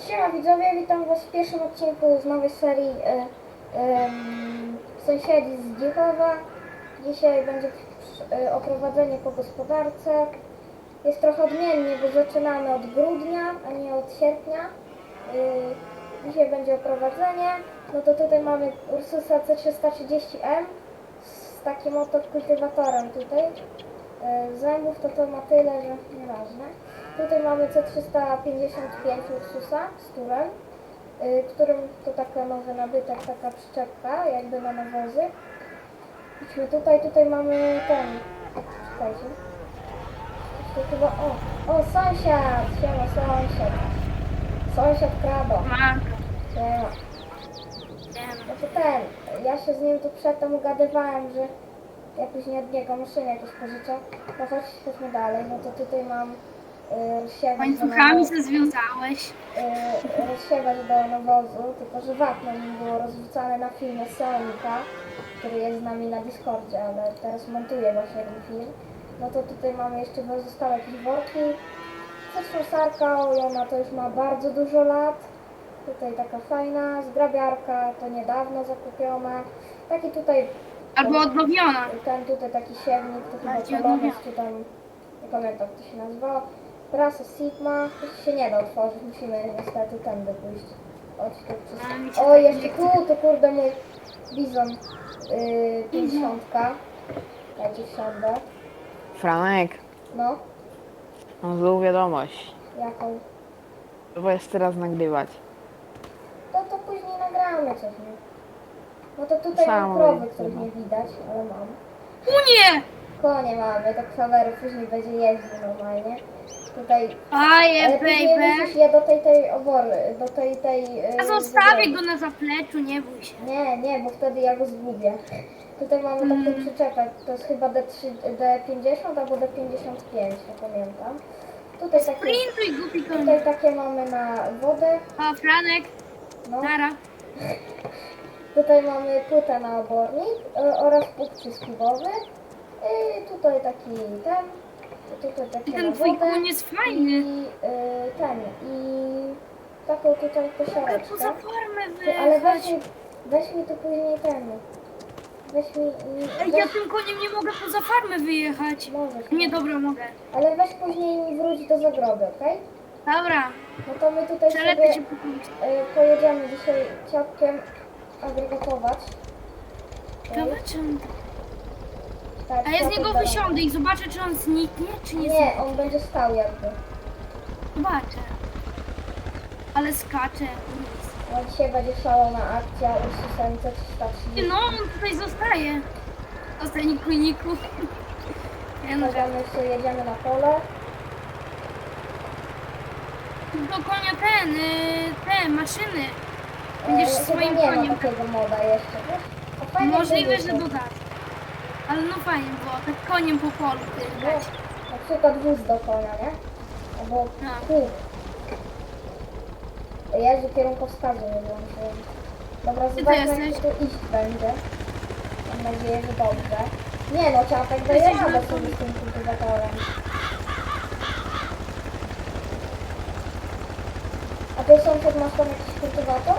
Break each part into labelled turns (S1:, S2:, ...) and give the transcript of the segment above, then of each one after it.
S1: Siema widzowie, witam was w pierwszym odcinku z nowej serii Sąsiedzi z Dzichowa. Dzisiaj będzie oprowadzenie po gospodarce. Jest trochę odmiennie, bo zaczynamy od grudnia, a nie od sierpnia. Dzisiaj będzie oprowadzenie. No to tutaj mamy Ursusa C330M z takim oto kultywatorem tutaj. Zębów to ma tyle, że nieważne. Tutaj mamy C355 Ursusa z turem, którym to taka nowy nabytek, taka przyczepka jakby na nawozy. Idźmy tutaj mamy ten, czekajcie. To chyba, o sąsiad, siema sąsiad. Sąsiad Krado. Siema. No to ten, ja się z nim tu przedtem ugadywałem, że ja później od niego maszynę jakieś pożyczę. No chodźmy dalej, no to tutaj mam rozsiewacz
S2: łańcuchami się związałeś.
S1: rozsiewacz do nawozu, tylko że wapno mi było rozrzucane na filmie Sonika, który jest z nami na Discordzie, ale teraz montuję właśnie ten film. No to tutaj mamy jeszcze pozostałe jakieś worki. Sarka, i ona to już ma bardzo dużo lat. Tutaj taka fajna, zgrabiarka, to niedawno zakupiona. Taki tutaj...
S2: Albo odnowiona.
S1: Ten tutaj taki siewnik, to chyba Polonis, czy tam, nie pamiętam jak to się nazywało. Prasa Sigma, to się nie da otworzyć, musimy niestety tędy pójść. Chodź tu przez... O, jeszcze tu, to kurde mój bizon 50. Dajcie wsiądę.
S3: Franek,
S1: No,
S3: mam złą wiadomość.
S1: jaką?
S3: Bo jest teraz nagrywać.
S1: To później nagramy coś, nie? No to tutaj mam
S3: Samo
S1: krowy,
S3: jest,
S1: których
S3: no.
S1: nie widać, ale mam.
S2: U nie!
S1: Konie mamy, to kwawery później będzie jeździł normalnie. Tutaj...
S2: Aje,
S1: Ale później
S2: baby.
S1: musisz je do tej obory, do tej...
S2: Ja zostawię go na zapleczu, nie bój się.
S1: Nie, bo wtedy ja go zgubię. Tutaj mamy taką przyczepę, to jest chyba D50 albo D55, nie pamiętam. Tutaj takie,
S2: Sprintuj, głupi koń.
S1: tutaj takie mamy na wodę,
S2: O, Franek,
S1: no.
S2: Nara.
S1: Tutaj mamy płytę na obornik oraz pług przyskiwowy. I tutaj taki ten, tutaj taki
S2: I ten
S1: na
S2: twój
S1: wodę.
S2: koń jest fajny.
S1: I taką tutaj
S2: Mogę
S1: posiadeczkę.
S2: poza formę
S1: Ale
S2: wyjechać.
S1: weź mi tu później ten. Weź mi...
S2: Ej, ja tym koniem nie mogę poza farmę wyjechać.
S1: Możesz.
S2: Nie, dobra, mogę.
S1: Ale weź później mi wróć do zagroby, okej?
S2: Dobra,
S1: No to my tutaj
S2: przelecę
S1: sobie
S2: się po prostu.
S1: pojedziemy dzisiaj ciapkiem agregatować.
S2: Dobra, czy on...
S1: Tak,
S2: A ja z
S1: ciapek
S2: niego
S1: do
S2: wysiądę i zobaczę, czy on zniknie, czy nie zniknie.
S1: Nie, on będzie stał jakby.
S2: Zobaczę. Ale skacze.
S1: No dzisiaj będzie szalona akcja Ursusem
S2: Ty,
S1: C330.
S2: no, on tutaj zostaje. Ostatni kujniku. Ja no,
S1: Możemy jeszcze jedziemy na pole.
S2: do konia te maszyny. Będziesz
S1: Chyba
S2: swoim
S1: nie ma
S2: koniem.
S1: takiego moda jeszcze, wiesz? A fajnie
S2: Możliwe,
S1: by
S2: że
S1: było.
S2: dodasz. Ale no fajnie było, tak koniem po polu
S1: No,
S2: tyrkać.
S1: na przykład wóz do konia, nie? Albo
S2: No.
S1: kół. Jezu, kierunkowskazu nie włączyłem. Dobra,
S2: Ty
S1: zobaczmy
S2: jesteś?
S1: jak tu iść będzie. Mam nadzieję, że dobrze. Nie no, ciapek daje
S2: Jesteś
S1: radę
S2: na
S1: sobie z tym kultywatorem. A ty sąsiad masz tam jakiś kultywator?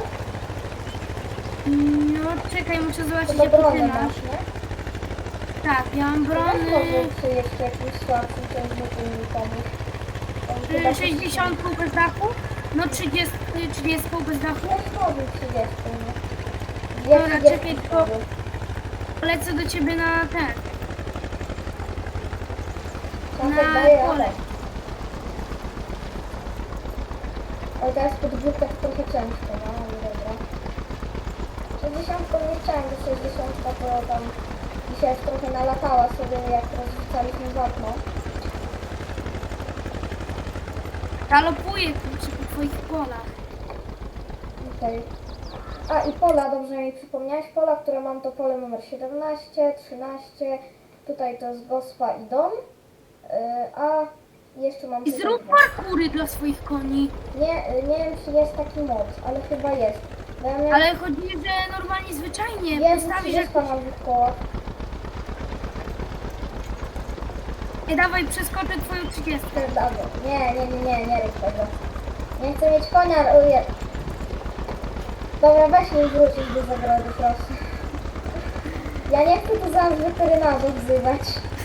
S2: No czekaj, muszę zobaczyć
S1: Chyba
S2: jak ty
S1: bronę
S2: masz.
S1: masz, nie?
S2: Tak, ja mam brony.
S1: Może czy jeszcze jakiś słabszy ciągniku mi pomóż. On chyba
S2: 60 bez dachu? No 30 bez dachu.
S1: Też może 30, nie?
S2: Dobra,
S1: 30
S2: czekaj, tylko- Lecę do ciebie na ten.
S1: Ciapek
S2: Na
S1: daje
S2: pole.
S1: radę. Ale teraz pod górkę trochę ciężko, no ale dobra. 60 nie chciałem, bo 60 to tam dzisiaj już trochę nalatała sobie, jak rozrzucaliśmy wapno.
S2: Galopuję kurczę po twoich polach.
S1: Okej. A i pola, dobrze mi przypomniałeś, pola, które mam to pole numer 17, 13, tutaj to jest gospa i dom, a jeszcze mam
S2: I
S1: tutaj
S2: zrób
S1: dwa.
S2: parkury dla swoich koni.
S1: Nie wiem czy jest taki mod, ale chyba jest. Bo ja miałem...
S2: Ale chodzi, że normalnie, zwyczajnie.
S1: Jest
S2: Postawisz
S1: 30
S2: jak...
S1: na dwóch kołach.
S2: Nie dawaj, przeskoczę twoją 30.
S1: Nie rób tego. Nie chcę mieć konia, uje. Dobra, weź mi wrócić do zagrody, proszę. Ja nie chcę tu zaraz weterynarzów wzywać.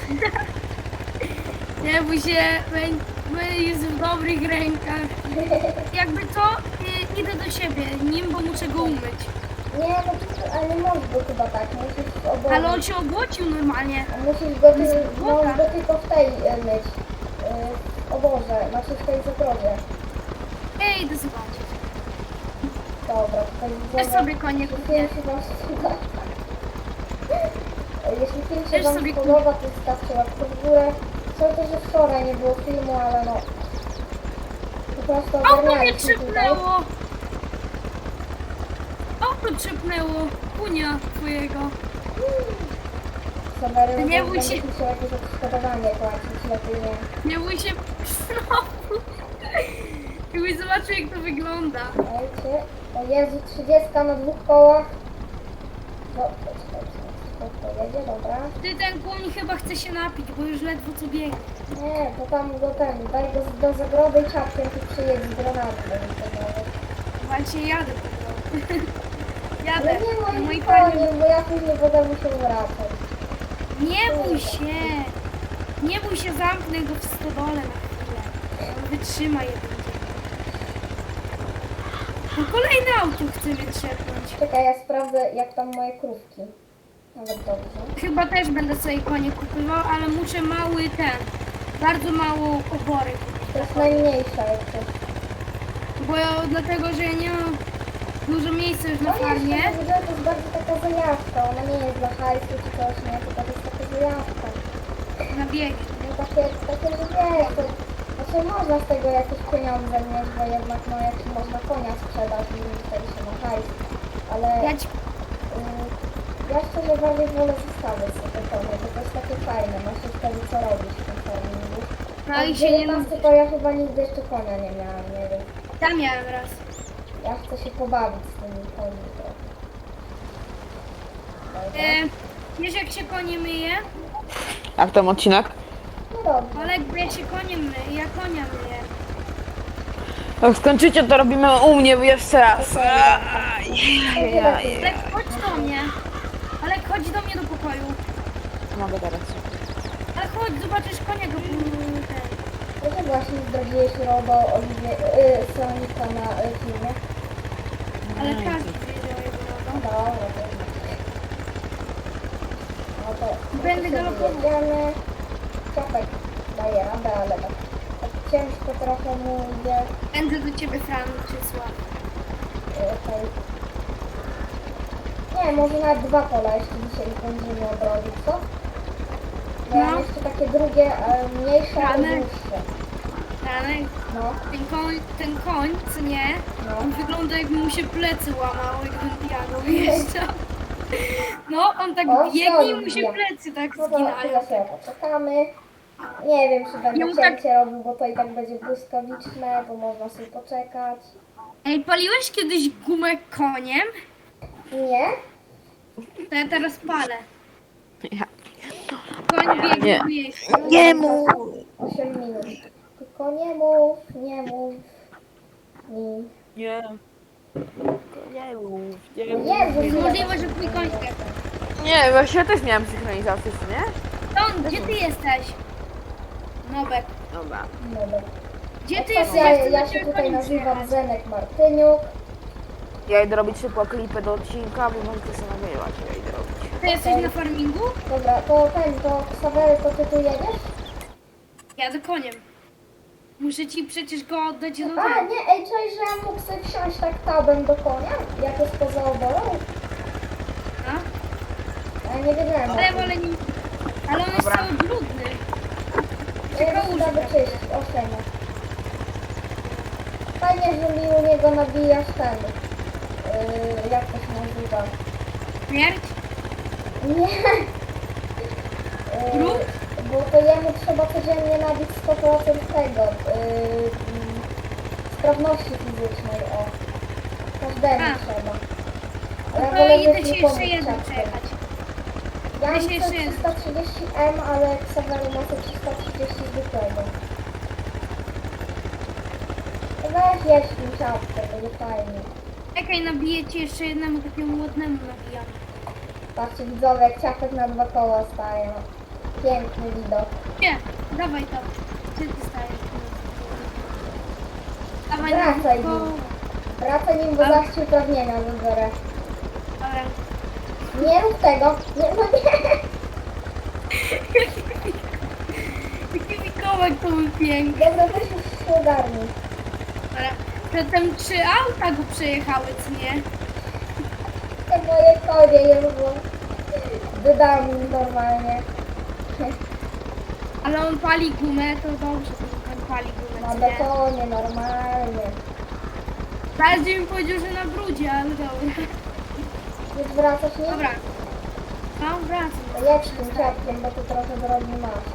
S2: Nie bój się, jest w dobrych rękach. Jakby to, idę do siebie nim, bo muszę go umyć.
S1: Nie, no ale nie możesz go chyba tak, musisz w obozie.
S2: Ale on się obłocił normalnie.
S1: Musisz go,
S2: jest głupota.
S1: możesz go tylko w tej myć. W oborze, znaczy w tej zagrodzie.
S2: Ej, idę zobaczyć.
S1: Dobra, tutaj
S2: Też
S1: widzimy.
S2: sobie konie
S1: Jeśli
S2: kupię.
S1: film się wam spodoba, jeśli film się
S2: Też
S1: wam
S2: sobie
S1: spodoba, to zostawcie łapkę w górę. Co to, że wczoraj nie było filmu, ale no... Po prostu
S2: O, to mnie
S1: ogarnialiśmy tutaj.
S2: trzepnęło! O, to trzepnęło! Kunia twojego.
S1: Sawery,
S2: Nie bój się.
S1: będziesz musiał jakieś odszkodowanie płacić, lepiej nie.
S2: Nie bój się znowu. Jakbyś zobaczył, jak to wygląda.
S1: Dajcie. O Jezu, 30 na 2 kołach. No, to jedzie, dobra.
S2: Ty, ten koń chyba chce się napić, bo już ledwo co biegnie.
S1: Nie, to tam go daj go do zagrody i czapkiem tu przyjedź z granatu do nikogo.
S2: Właśnie jadę po prostu. Jadę.
S1: Ale nie
S2: Moi
S1: moim
S2: panie.
S1: koniem, bo ja później będę musiał wracać.
S2: Nie bój się. Nie bój się, zamknę go w stodole na chwilę. On wytrzyma jeden dzień. No kolejne auto chce wytrzepnąć.
S1: Czekaj, ja sprawdzę jak tam moje krówki. Nawet dobrze.
S2: Chyba też będę sobie konie kupywał, ale muszę mały ten. Bardzo mało obory kupić.
S1: To jest najmniejsza jeszcze.
S2: Bo ja, dlatego, że ja nie mam dużo miejsca już na
S1: No nie,
S2: farmie.
S1: to jest bardzo taka zajawka. Ona nie jest dla hajsu czy coś, nie? Tylko to jest taka zajawka.
S2: Na biegi.
S1: No takie, że wiesz, to, znaczy można z tego jakieś pieniądze mieć, bo jednak no jak można konia sprzedać i wtedy się ma hajs. Ale
S2: Ja ci...
S1: ja szczerze bardziej wolę zostawić sobie konie, bo to jest takie fajne, masz już wtedy co robić w tym farmingu.
S2: No
S1: A
S2: i
S1: w
S2: się nie
S1: 19 to ja chyba nigdy jeszcze konia nie miałam, nie wiem.
S2: Tam miałem raz.
S1: Ja chcę się pobawić z tymi koni trochę. Dobra.
S2: Wiesz, jak się konie myje?
S3: Jak tam odcinek?
S1: No dobrze.
S2: Olek, bo ja się koniem myję, ja konia myję.
S3: Jak skończycie, to robimy u mnie jeszcze raz.
S2: Olek, chodź do mnie. Olek, chodź do mnie do pokoju.
S3: Mogę teraz.
S2: Ale chodź, zobaczysz konia go ten.
S1: To ty właśnie zdradziłeś RODO Sonika na filmie.
S2: Ale każdy wiedział jego
S1: No
S2: logo.
S1: dobra, to jest. No to
S2: Będę
S1: sobie
S2: galopował.
S1: jedziemy. Ciapek daje radę, ale tak ciężko trochę mu idzie.
S2: Będę do ciebie Fran przysłał.
S1: Okej. Nie, może nawet 2 pola jeszcze dzisiaj będziemy odrobić, co? Bo ja mam
S2: No.
S1: jeszcze takie drugie, mniejsze, ale
S2: Ramy.
S1: dłuższe.
S2: Franek,
S1: No,
S2: ten koń, co nie?
S1: no.
S2: On wygląda, jakby mu się plecy łamało, jakby piano wyjeżdżał. No, on tak
S1: O,
S2: biegnie i mu
S1: sorry,
S2: się
S1: ja.
S2: plecy tak
S1: No to
S2: zginają.
S1: chwilę sobie poczekamy. Nie wiem, czy będę
S2: Ja mu tak-
S1: cięcie robił, bo to i tak będzie błyskawiczne, bo można sobie poczekać.
S2: Ej, paliłeś kiedyś gumę koniem?
S1: Nie?
S2: To ja teraz palę.
S3: Ja.
S2: Koń biegnie
S3: Nie.
S2: tu jeść.
S3: Nie mów!
S1: 8 minut. Tylko nie mów mi.
S3: Nie. Nie mów, nie mów.
S1: Jezu,
S2: Możliwe, że twój koń zgadł.
S3: Nie, właśnie ja też miałem synchronizację, co nie?
S2: Ton, gdzie ty jesteś? Nobek.
S3: Dobra.
S1: Dobra.
S2: Gdzie ty
S1: Ja,
S2: jesteś? Ja chcę
S1: ja
S2: do
S1: się
S2: ciebie
S1: tutaj
S2: koniem
S1: nazywam
S2: przyjechać.
S1: Zenek Martyniuk.
S3: Ja idę robić szybko klipy do odcinka, bo możecie sobie nagrywać, ja idę robić.
S2: Ty jesteś na farmingu?
S1: Dobra, to Ksawery, to ty tu jedziesz?
S2: Jadę koniem. Muszę ci przecież go oddać do
S1: A,
S2: domu.
S1: nie, ej, cześć, że ja mógł sobie wsiąść tak tabem do konia? Jak jest poza oborą?
S2: A?
S1: Ja nie wiedziałem.
S2: Ale wolę nim... Ale on jest
S3: Dobra.
S2: cały brudny.
S1: Ja go uda wyczyścić, owszem. Fajnie, że mi u niego nabijasz ten. Jak to się nazywa?
S2: Śmierć?
S1: Nie.
S2: Grób?
S1: Bo to jemu trzeba codziennie nabić 100% tego. Sprawności fizycznej, o. Każdemu
S2: A.
S1: trzeba.
S2: No
S1: Ja
S2: to
S1: wolę
S2: idę
S1: mieć
S2: ci
S1: nikomu
S2: jeszcze jedną
S1: czapkę.
S2: przejechać.
S1: Ja mam
S2: Weź jeszcze jedno.
S1: 330M, ale Xavery ma 330 zwykłego. Tak Weź jedź tym ciapkę, będzie fajnie.
S2: Czekaj, nabiję ci jeszcze jednemu takiemu ładnemu nabijam.
S1: Patrzcie widzowie, jak ciapek na 2 koła staje. No. Piękny widok.
S2: Nie, dawaj to. Gdzie ty stajesz? Dawaj
S1: Wracaj
S2: na
S1: nim. Wracaj nim, bo
S2: Ale-
S1: zaś ci uprawnienia wybiorę.
S2: Dobra.
S1: Nie rób tego. Nie, no nie.
S2: Jaki Mikołaj to był piękny.
S1: Dobra, weź już się ogarnij.
S2: Dobra. Zatem 3 auta go przejechały, co nie?
S1: Te moje konie już było. Wydam im normalnie.
S2: Ale on pali gumę, to dobrze, że on pali gumę,
S1: Na
S2: co nie?
S1: betonie, normalnie.
S2: Bardziej mi powiedział, że na brudzie, ale dobra.
S1: Już wracasz nim?
S2: Dobra. No, wracam.
S1: To jedź tym ciapkiem, bo tu trochę drogi masz.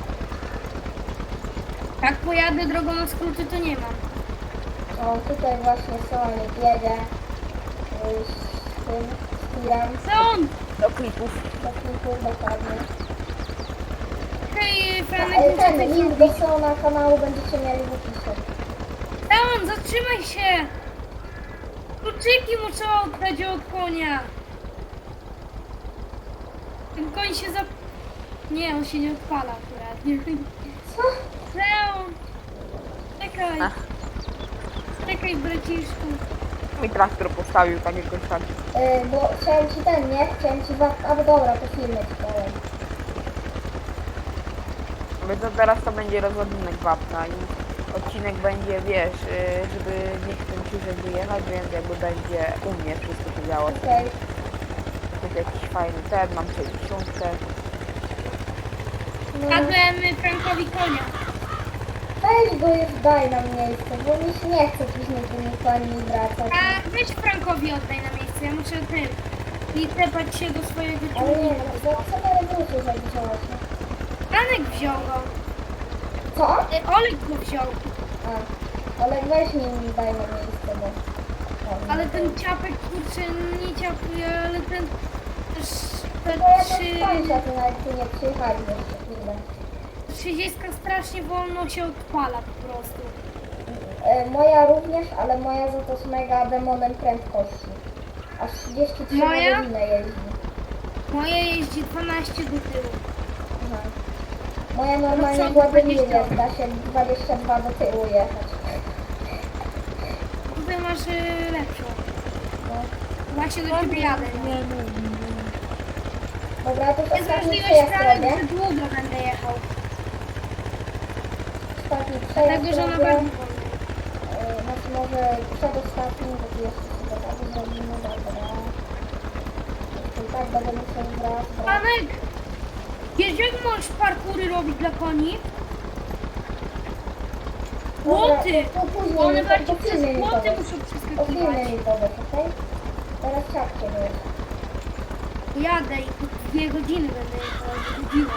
S2: Jak pojadę drogą na skróty, to nie mam.
S1: O, tutaj właśnie Sonic jedzie z tym, z tirem,
S2: Co on?
S3: Do klipów.
S1: do klipu dokładnie.
S2: Hej,
S1: A,
S2: Franek, muszę
S1: ten
S2: coś
S1: link
S2: zrobić.
S1: do Sona kanału będziecie mieli w opisie.
S2: Leon, zatrzymaj się! Kluczyki muszę oddać od konia. Ten koń się zap... Nie, on się nie odpala akurat. Nie.
S1: Co?
S2: Leon! Czekaj.
S3: Ach.
S2: Czekaj, braciszku.
S3: Mi traktor postawił tak jakoś tak.
S1: Bo chciałem ci ten, nie? Chciałem ci a dobra, to filmy ci powiem.
S3: Bo to teraz to będzie rozładunek wapna i odcinek będzie, wiesz, żeby nie chcę ciżej wyjechać, więc jakby będzie u mnie wszystko się działo.
S1: Okej.
S3: Jest jakiś fajny ten, mam 60.
S1: No,
S2: Kradłem Frankowi konia.
S1: weź go już daj na miejsce, bo mi się nie chce później tymi koni wracać.
S2: A weź Frankowi oddaj na miejsce, ja muszę tym. I tepać się do swojego
S1: Ale nie,
S2: ciągnika.
S1: no, co na rewolucję zadziałaś?
S2: Franek wziął go.
S1: Co?
S2: Olek go wziął.
S1: A, ale weź nim daj na miejsce, bo...
S2: Ale ten ciapek, kurczę, nie ciapuje, ale ten... Te
S1: No ja to
S2: trzy...
S1: skończę, to nawet tu nie przyjechali jeszcze chwilę.
S2: 30 strasznie wolno się odpala po prostu.
S1: Moja również, ale moja za to z mega demonem prędkości. Aż 33
S2: Moja?
S1: na godzinę jeździ.
S2: Moje jeździ 12 do tyłu.
S1: Aha. Moja normalnie
S2: No co,
S1: Władimir
S2: 20?
S1: jest, da się 22 do tyłu jechać.
S2: Tutaj masz lepszą.
S1: No.
S2: Właśnie do ciebie jadę. Nie?
S1: Dobra, to już
S2: Jest
S1: ostatni
S2: możliwość,
S1: przejazd
S2: Franek,
S1: robię.
S2: że długo będę jechał.
S1: Ostatni przejazd
S2: Dlatego, że na
S1: robię.
S2: pewno.
S1: Znaczy może przedostatni, bo tu jeszcze sobie tak zrobimy, dobra. Jeszcze i tak będę musiał wracać.
S2: Franek! Wiesz, jak możesz parkury robić dla koni? Płoty!
S1: Później
S2: One
S1: mi
S2: bardziej
S1: to
S2: przez
S1: filmy mi
S2: płoty
S1: powiesz.
S2: muszą
S1: O filmie
S2: przeskakiwać.
S1: mi powiesz, okej? Teraz ciapcie wiesz.
S2: Jadę i po 2 godziny będę jechał. Godzinę.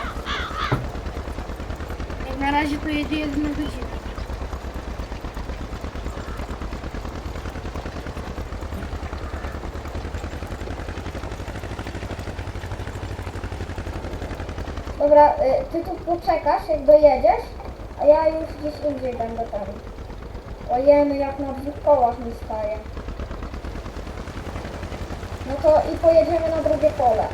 S2: Jak na razie to jedzie 1 godzinę.
S1: Dobra, ty tu poczekasz, jak dojedziesz, a ja już gdzieś indziej będę tam. Ojeny, jak na 2 kołach mi staje. No to i pojedziemy na drugie pole.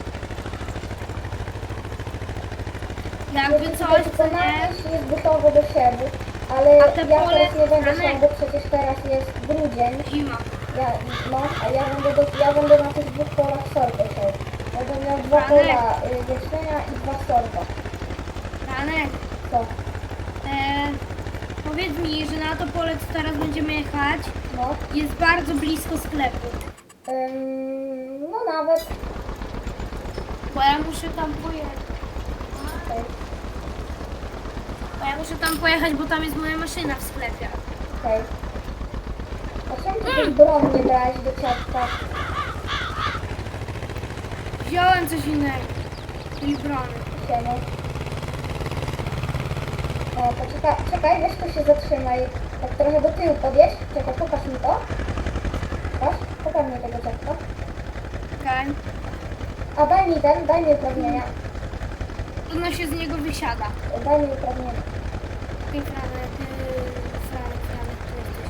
S2: Jakby coś,
S1: Tylko
S2: co nie?
S1: nawieź jest gotowy do siewu, ale
S2: A te
S1: ja
S2: pole-
S1: teraz nie będę
S2: Franek.
S1: siał, bo przecież teraz jest grudzień.
S2: Zima.
S1: A ja będę na tych 2 polach sorkę siał. Będę miał 2
S2: Franek.
S1: pola wiecznienia i 2 sorka.
S2: Franek,
S1: Co?
S2: powiedz mi, że na to pole, co teraz będziemy jechać,
S1: No.
S2: jest bardzo blisko sklepu.
S1: No nawet.
S2: Bo ja muszę tam pojechać.
S1: Okej.
S2: Bo ja muszę tam pojechać, bo tam jest moja maszyna w sklepie.
S1: Okej. A czemu ty tej broń nie brałeś do ciastka?
S2: Wziąłem coś innego. Czyli brony.
S1: Siema. O, czekaj, weź tu się zatrzymaj. Tak trochę do tyłu podjedź. Czekaj, pokaż mi to. Pokaż mi tego ciastka.
S2: Okej.
S1: A daj mi uprawnienia.
S2: Trudno się z niego wysiada.
S1: Daj mi uprawnienia.
S2: Okej, Franek, tu jesteś.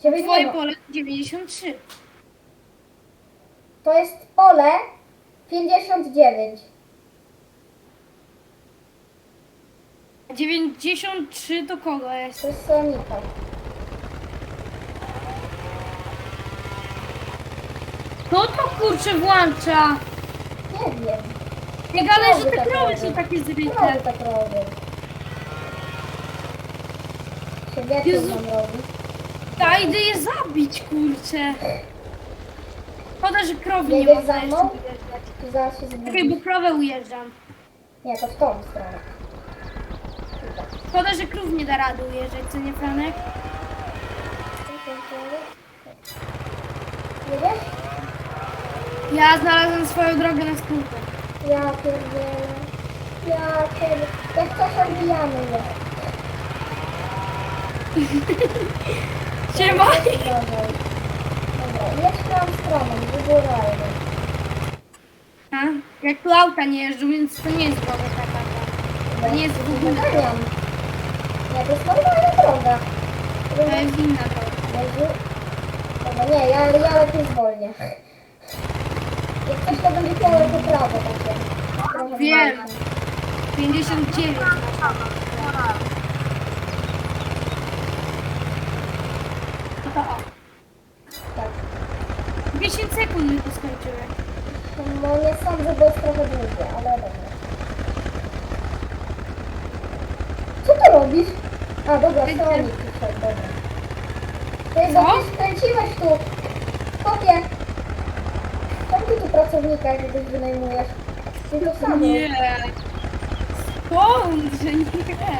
S1: Ciebie nie
S2: Twoje
S1: ma.
S2: pole 93.
S1: To jest pole 59.
S2: A 93 to kogo jest?
S1: To jest Sonika.
S2: Kto to kurczę włącza?
S1: Nie wiem.
S2: Nie gadaj, że te
S1: tak
S2: krowy
S1: robią.
S2: są takie zryte.
S1: Krowy tak robią. Się wiecie,
S2: Jezu.
S1: co nam robi.
S2: Ja idę je zabić, kurczę. Szkoda, że krowy nie
S1: Jedziesz
S2: można
S1: za
S2: jeszcze
S1: mną?
S2: ujeżdżać.
S1: Tu zaraz się
S2: Czekaj,
S1: zgubisz.
S2: bo krowę ujeżdżam.
S1: Nie, to w tą stronę. Tutaj.
S2: Szkoda, że krów nie da rady ujeżdżać, co nie, Franek?
S1: Jedziesz?
S2: Ja znalazłem swoją drogę na skórkę.
S1: Ja pierdzielę. Ja pierdzielę. Jak coś odbijamy je.
S2: Siema!
S1: Dobra, jedź tam stroną, wygórajmy.
S2: A? Jak tu auta nie jeżdżą, więc to nie jest droga taka. To nie jest w ogóle droga.
S1: Wyganiam. Nie, to jest normalna droga.
S2: To jest inna droga.
S1: Jezu. Dobra, nie, ja lepiej zwolnię. Jak coś to będzie pole po prawo takie. Trochę
S2: Wiem.
S1: bardziej.
S2: 59 masz. No to o.
S1: Tak.
S2: 10 sekund mi to skończyły.
S1: No nie sądzę, bo jest trochę długie, ale dobra. Co ty robisz? A, dobra,
S2: Ty-
S1: Sonic przyszedł, dobra. Ty,
S2: Co?
S1: bo ty skręciłeś tu. Kopie. Czemu ty tu pracownika jakiegoś wynajmujesz? Ty to samo.
S2: Nie. Skąd, że nie?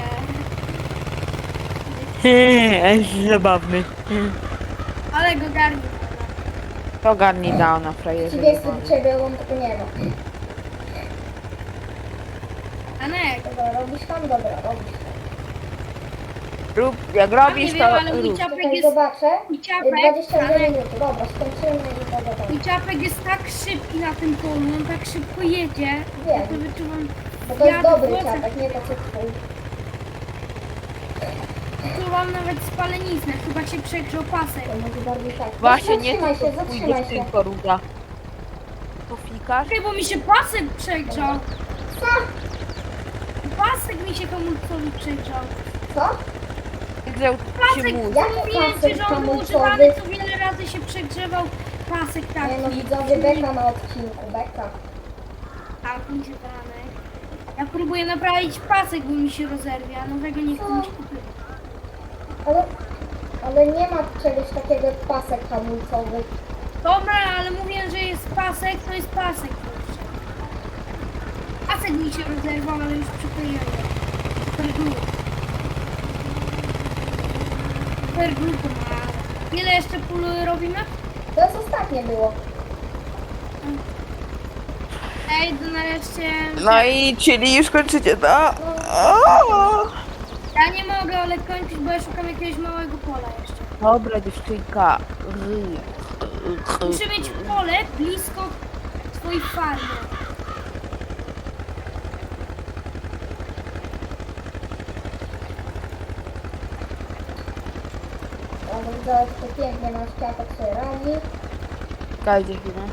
S3: Jest zabawny.
S2: Ale go garni.
S3: To garni dał na frajerze.
S1: Przeciwieństwo do ciebie, on tego nie ma.
S2: Anek.
S1: Dobra, robisz tam? Dobra, robisz tam.
S3: Rób, jak
S2: Nie
S3: robisz,
S2: wiem,
S3: to
S2: ale mój
S3: rób.
S2: ciapek
S1: Czekaj,
S2: jest...
S1: zobaczę.
S2: Mój ciapek,
S1: 22
S2: Franek,
S1: minuty. Dobra, skończymy i pogadamy.
S2: mój ciapek jest tak szybki na tym polu, on tak szybko jedzie. Ja to wyczuwam.
S1: Bo to jest
S2: jadę
S1: dobry
S2: włosem.
S1: ciapek, nie to co twój.
S2: Wyczuwam nawet spaleniznę, chyba się przegrzał pasek.
S1: To może bardziej tak.
S3: Właśnie nie
S1: Zatrzymaj się,
S3: tylko
S1: zatrzymaj
S3: pójdziesz,
S1: się.
S3: tylko ruda. Pofikasz?
S2: Czekaj, bo mi się pasek przegrzał.
S1: Co?
S2: Pasek mi się hamulcowy przegrzał.
S1: Co?
S3: Grzał
S2: Pasek,
S3: się mózg.
S1: Jak
S2: mówiłem
S1: pasek
S2: ci, że on był
S1: hamulcowy?
S2: używany, co wiele razy się przegrzewał pasek taki.
S1: Nie no, widzowie, beka na odcinku, beka.
S2: Tak, mi się danek. Ja próbuję naprawić pasek, bo mi się rozerwie, a nowego nie chcę mi się kupić.
S1: Ale nie ma czegoś takiego jak pasek hamulcowy.
S2: Dobra, ale mówię, że jest pasek, to jest pasek. Kurczę. Pasek mi się rozerwał, ale już przykleiłem. Superglue. Superglue to ma. Ile jeszcze pól robimy?
S1: To jest ostatnie było.
S2: Ej, to nareszcie...
S3: No i czyli już kończycie, to?
S2: Ja nie mogę, ale kończyć, bo ja szukam jakiegoś małego pola jeszcze.
S3: Dobra dziewczynka.
S2: Muszę mieć pole blisko twojej farmy.
S1: Ale widzowie, to pięknie nasz ciapek sobie radzi.
S3: Dajcie chwilę.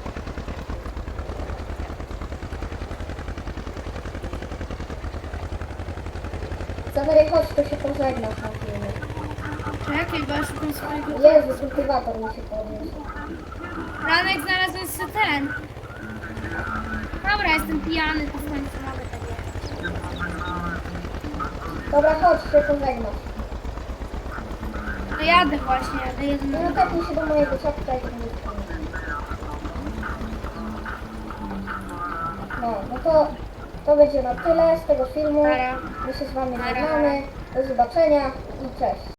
S1: Zawery, chodź, to się pożegnasz na filmie.
S2: Czekaj, bo ja szukam swojego...
S1: Jezu, kultywator mi się podniósł.
S2: Ranek znalazłem sobie ten. Dobra, jestem pijany, to w końcu mogę tak jechać.
S1: Dobra, chodź, się pożegnasz.
S2: No jadę właśnie, jadę jedną.
S1: No tepnij się do mojego ciapka i to będzie koniec. No to będzie na tyle z tego filmu.
S2: Nara.
S1: My się z wami
S2: Nara.
S1: żegnamy. Do zobaczenia i cześć.